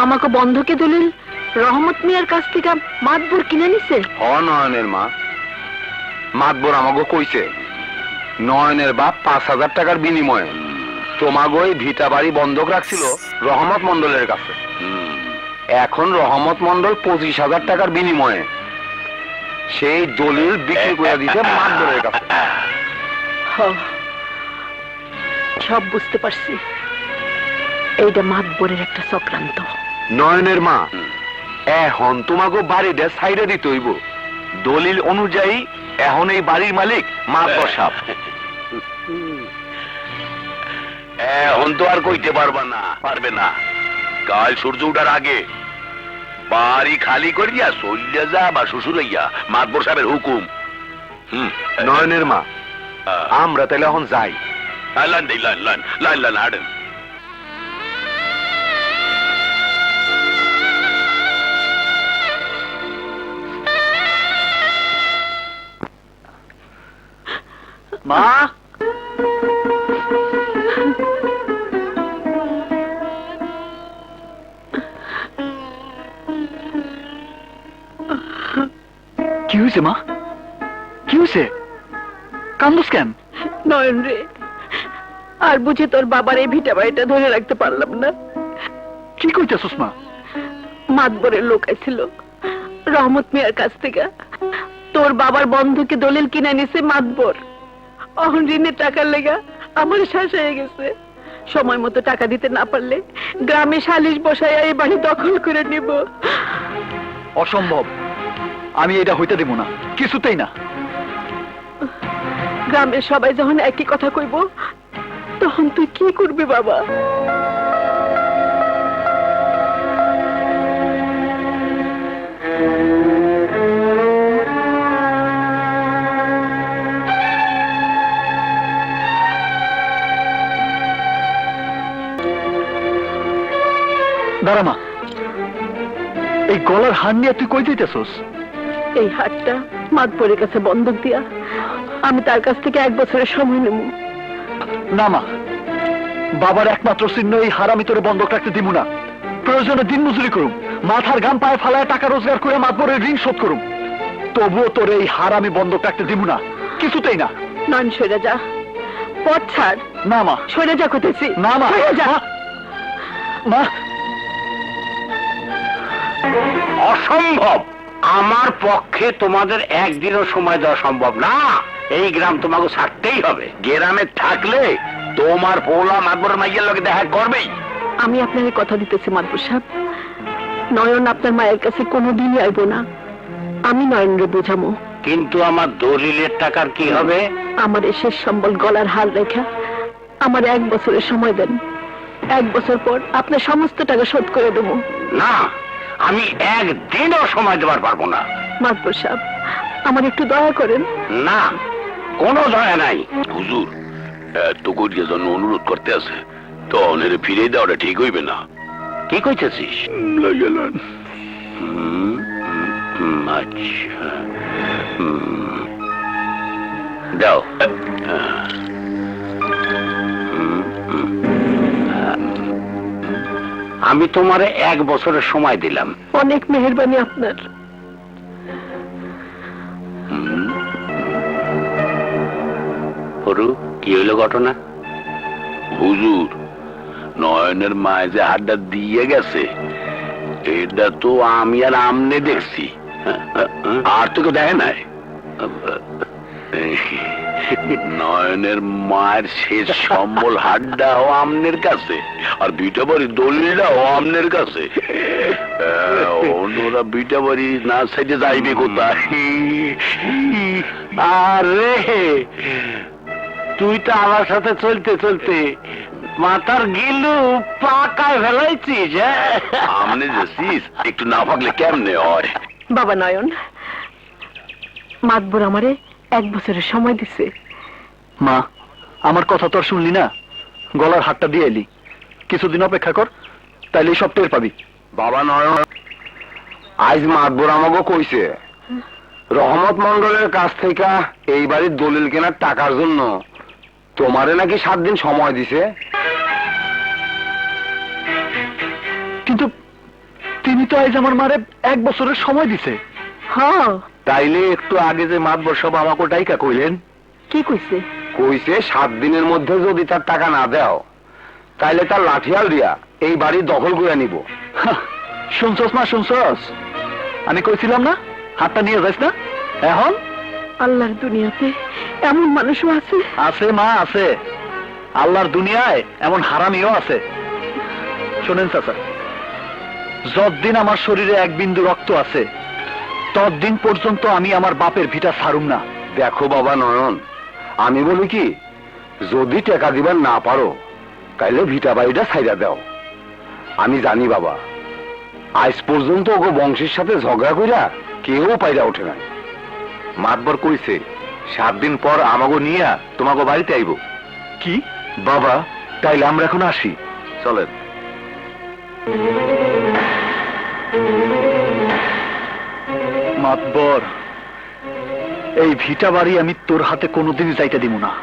আমাকে বন্ধকে দলিল রহমত মিয়ার কাছ থেকে মাতবর কিনে নিছে? নয়নের মা, মাতবর আমাকে কইছে নয়নের বাপ 5,000 টাকার বিনিময়ে তোমাকে ওই ভিটা বাড়ি বন্ধক রাখছিল রহমত মন্ডলের কাছে। এখন রহমত মন্ডল 25,000 টাকার বিনিময়ে সেই দলিল বিক্রি করে দিতে মাতবরের কাছে। সব বুঝতে পারছি, এইটা মাতবরের একটা চক্রান্ত। নয়নের মা, এখন তোমাকে বাড়িটা সাইডে দিতে হইব। দলিল অনুযায়ী এখন এই বাড়ির মালিক মাতবর সাহেব। এখন তো আর কইতে পারবে না। কাল সূর্য উঠার আগে বাড়ি খালি করিয়া চলিয়া যা বা শ্বশুর হইয়া মাতবর সাহেবের হুকুম। নয়নের মা, আমরা তাহলে এখন যাই। লাইন হাঁটেন। মা, কি হয়েছে মা? কি হয়েছে? কান্দোস কেন? নয়ন রে, আর বুঝে তোর বাবার এই ভিটা বাড়িটা ধরে রাখতে পারলাম না। কি কইতেছস মা? মাতবরের লোক আইছিল রহমত মিয়ার কাছ থেকে, তোর বাবার বন্ধুকে দলিল কিনে নিছে মাতবর। অহন ঋণের টাকার লেগা আমার শ্বাস হয়ে গেছে। সময় মতো টাকা দিতে না পারলে গ্রামে সালিশ বসাইয়া এই বাড়ি দখল করে নিব। অসম্ভব, আমি এটা হইতে দেব না, কিছুতেই না। গ্রামের সবাই যখন একই কথা কইব, তখন তুই কি করবি বাবা? দাঁড়া মা, এই গলার হার নিয়ে তুই কই দিতেছস? এই হাটটা মাতবরের কাছে বন্ধক দিয়া আমি তার কাছ থেকে 1 বছরের সময় নেব। না মা, বাবার একমাত্র চিহ্ন এই হার আমি তোরে বন্ধক রাখতে দিব না। প্রয়োজনে দিন মজুরি করুম, মাথার গাম পায়ে ফালায় টাকা রোজগার করে মাতবরের ঋণ শোধ করুম, তবুও তোর এই হার আমি বন্ধক রাখতে দিব না, কিছুতেই না। নন, সরে যা, পথ ছাড়। না মা, সরে যা করতেছি। না মা, সরে যা। মা, অসম্ভব। আমার পক্ষে তোমাদের একদিনও সময় দেওয়া সম্ভব না। এই গ্রাম তোমাকে ছাড়তেই হবে। গ্রামে থাকলে তোমার পোলা মাতবরের মাইয়ের লোকে দেখা করবেই। আমি আপনাকে কথা দিতেছি মাতবর সাহেব, নয়ন আপনার মায়ের কাছে কোনোদিনই আইব না। আমি নয়নরে বোঝামো। কিন্তু আমার দলিলের টাকার কি হবে? আমার এই শেষ সম্বল গলার হার রেখা আমার 1 বছরের সময় দেন। 1 বছর পর আপনার সমস্ত টাকা শোধ করে দেবো। না, আমি একদিনও সময় দেওয়ার পারবো না। মাতবর সাহেব, আমার একটু দয়া করেন। না, কোনো দয়া নাই। হুজুর, এত করিয়া জন্য অনুরোধ করতে আছে, তো অনেরে ফিরে দেওয়াটা ঠিক হইবে না। কি কইতেছিস? আচ্ছা, দাও। আমি তোমারে 1 বছরের সময় দিলাম। অনেক মেহেরবানি আপনার। হরু, কি হইল ঘটনা? হুজুর, নয়নের মায় যে হাতটা দিয়ে গেছে, এটা তো আমি আর আমনে দেখছি, আর তো কেউ দেখে নাই। নয়নের মায়ের শেষ সম্বল হাড্ডাও আমনের কাছে, আর বিটা বাড়ি দলিলটাও আমনের কাছে। অন্যরা বিটা বাড়ি না সাইডে যাইবে কোথায়? আরে তুই তো আমার সাথে চলতে চলতে মাথার গিলু পাকায় ফেলাইছিস। আমনে যাচ্ছিস, একটু না ভাগলে কেমনে হয়? বাবা নয়ন, মাতবর আমারে 1 বছরের সময় দিছে। মা, আমার কথা তো আর শুনলি না, গলার হাতটা দিয়ে এলি। কিছুদিন অপেক্ষা কর, তাইলে সব টের পাবি। বাবা নয়ন, আজ মাতবর আমাকে কইছে রহমত মন্ডলের কাছ থেকে এই বাড়ির দলিল কেনার টাকার জন্য তোমারে নাকি 7 দিন সময় দিছে। কিন্তু তিনি তো আজ আমার মারে 1 বছরের সময় দিছে। হ্যাঁ, তাইলে একটু আগে যে মাতবর সব আমাকে টাইকা কইলেন, কি কইছে? কইছে 7 দিনের মধ্যে যদি তার টাকা না দাও তাইলে তার লাঠিয়াল দিয়া এই বাড়ি দখল করে নিব। হাহ, শুনছস মা, শুনছস? আমি কইছিলাম না হাতটা নিয়ে যাস না। এখন আল্লাহর দুনিয়াতে এমন মানুষও আছে? আছে মা, আছে। আল্লাহর দুনিয়ায় এমন হারামিও আছে। শোনেন চাচা, যতদিন আমার শরীরে 1 বিন্দু রক্ত আছে ততদিন পর্যন্ত আমি আমার বাপের ভিটা ছাড়ুম না। দেখো বাবা নয়ন, আমি বলি কি, যদি টাকা দিবার না পারো তাইলে ভিটা বাড়িটা ছাইড়া দাও। আমি জানি বাবা, আজ পর্যন্ত ওগো বংশের সাথে ঝগড়া কইরা কেউ পাইরা ওঠে না। মাতবর কইছে 7 দিন পর আমাগো নিয়া তোমাগো বাড়িতে আইব। কি বাবা, তাইলে আমরা এখন আসি, চলেন। মাতবর, এই ভিটা বাড়ি আমি তোর হাতে কোনোদিনই যাইতে দিব না।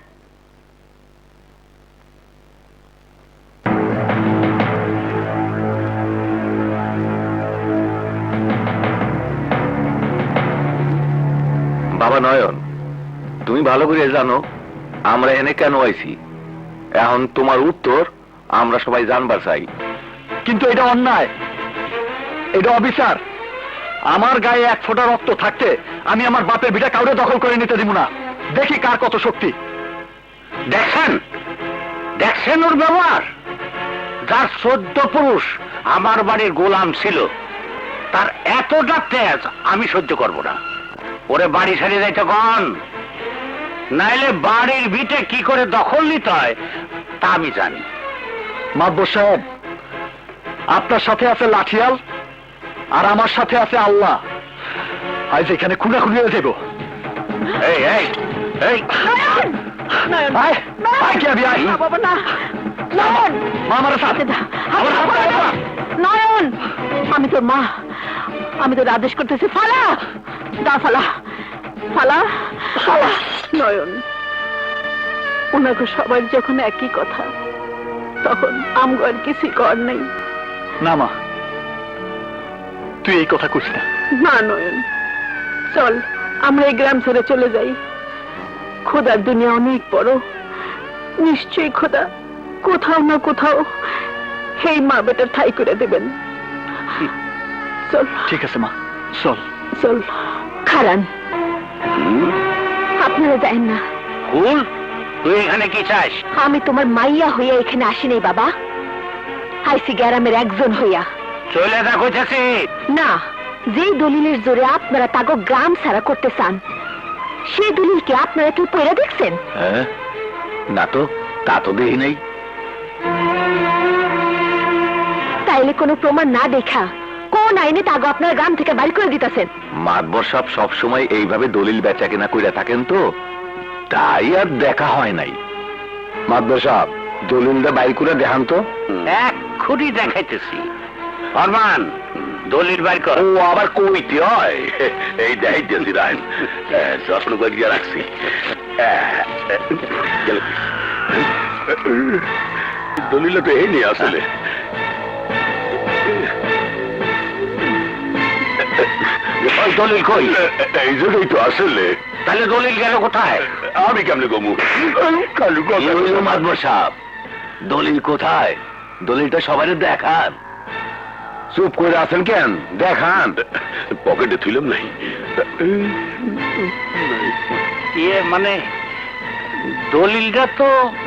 বাবা নয়ন, তুমি ভালো করে জানো আমরা এনে কেন আইছি। এখন তোমার উত্তর আমরা সবাই জানবার চাই। কিন্তু এটা অন্যায়, এটা অবিচার। আমার গায়ে 1 ফোঁটা রক্ত থাকতে আমি আমার বাপের ভিটা কাউরে দখল করে নিতে দিব না। দেখি কার কত শক্তি। দেখছেন দেখছেন ওর ব্যবহার? যার 14 পুরুষ আমার বাড়ির গোলাম ছিল, তার এতটা তেজ আমি সহ্য করব না। ওরে বাড়ি ছাড়িয়ে যাইতে কন, নাইলে বাড়ির ভিটে কি করে দখল নিতে হয় তা আমি জানি। মাতবর সাহেব, আপনার সাথে আছে লাঠিয়াল আর আমার সাথে আছে আল্লাহ। আজ এখানে খুনাখুনি হয়ে যাব। এই এই এই নয়ন, আয়, আয় কি আবি, আয়। না বাবা, না। নয়ন, মা আমার সাথে আমার হাত ধরে না। নয়ন, আমি তোর মা, আমি তোর আদেশ করতেছি, ফালা দা, ফালা ফালা ফালা। নয়ন, ওনাকে সবার যখন একই কথা, তখন আমগো আর কিছুই কর নাই। না মা, তুই এই কথা কইস না। না নয়ন, চল আমরা এই গ্রাম ছেড়ে চলে যাই। খোদার দুনিয়া অনেক বড়, নিশ্চয়ই খোদা কোথাও না কোথাও এই মা বেটার ঠাই করে দেবেন। চল। ঠিক আছে মা, চল। চল। খারান, আপনারা যাইন না। ফুল, তুই এখানে কি চাস? আমি তোমার মাইয়া হইয়া এখানে আসিনি বাবা, আইসি গ্রামের একজন হইয়া। চলে দেখো চাষি। না, যেই দলিলের জোরে আপনারা তাগো গ্রাম ছাড়া করতে চান, সেই দলিল কি আপনারা কেউ পড়ে দেখছেন? হ্যাঁ, না তো, তা তো দেখি নাই। তাইলে কোনো প্রমাণ না দেখা কোন আইনে তাগো আপনার গ্রাম থেকে বাড়ি করে দিতেছেন? মাতবর সাহেব সব সময় এইভাবে দলিল বেচা কেনা কইরা থাকেন তো, তাই আর দেখা হয় নাই। মাতবর সাহেব, দলিলটা বাইর করে দেখান তো। এক্ষুনি দেখাইতেছি। ফরমান, দলিল বাইর কর। ও আবার কইতে হয়? এই দেখাইতেছি রাইন, যত্ন করিয়া রাখছি। দলিল তো এই নিয়ে আসলে দলিল কই? এই জন্যই তো আসলে। তাহলে দলিল গেল কোথায়? আমি কেমনে কমু? মাতবর সাহেব, দলিল কোথায়? দলিলটা সবাই দেখান। চুপ করে আছেন কেন? দেখান। পকেটে থুইলাম নাই। ইয়ে মানে দলিলটা তো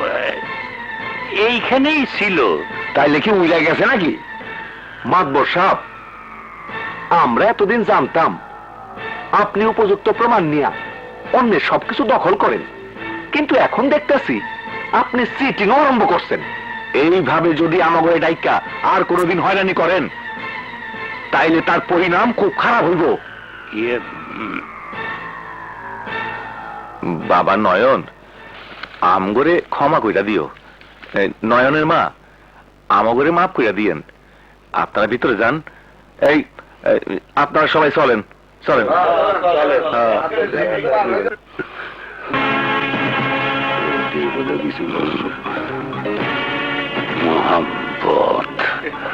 এইখানেই ছিল। তাইলে কি উইলা গেছে নাকি? মাতবর সাহেব, আমরা এতদিন জানতাম আপনি উপযুক্ত প্রমাণ নিয়ে অন্যের সবকিছু দখল করেন, কিন্তু এখন দেখতেছি আপনি চিটিং আরম্ভ করছেন। এইভাবে যদি আমাকে ডাইকা আর কোনোদিন হয়রানি করেন তাইলে তার পরিণাম খুব খারাপ হইব। ইয়ে বাবা নয়ন, আমগরে ক্ষমা কইরা দিও। নয়নের মা, আমগরে মাফ কইরা দিয়েন। আপনারা ভিতরে যান। এই আপনারা সবাই চলেন, চলেন। মোহাম্মদ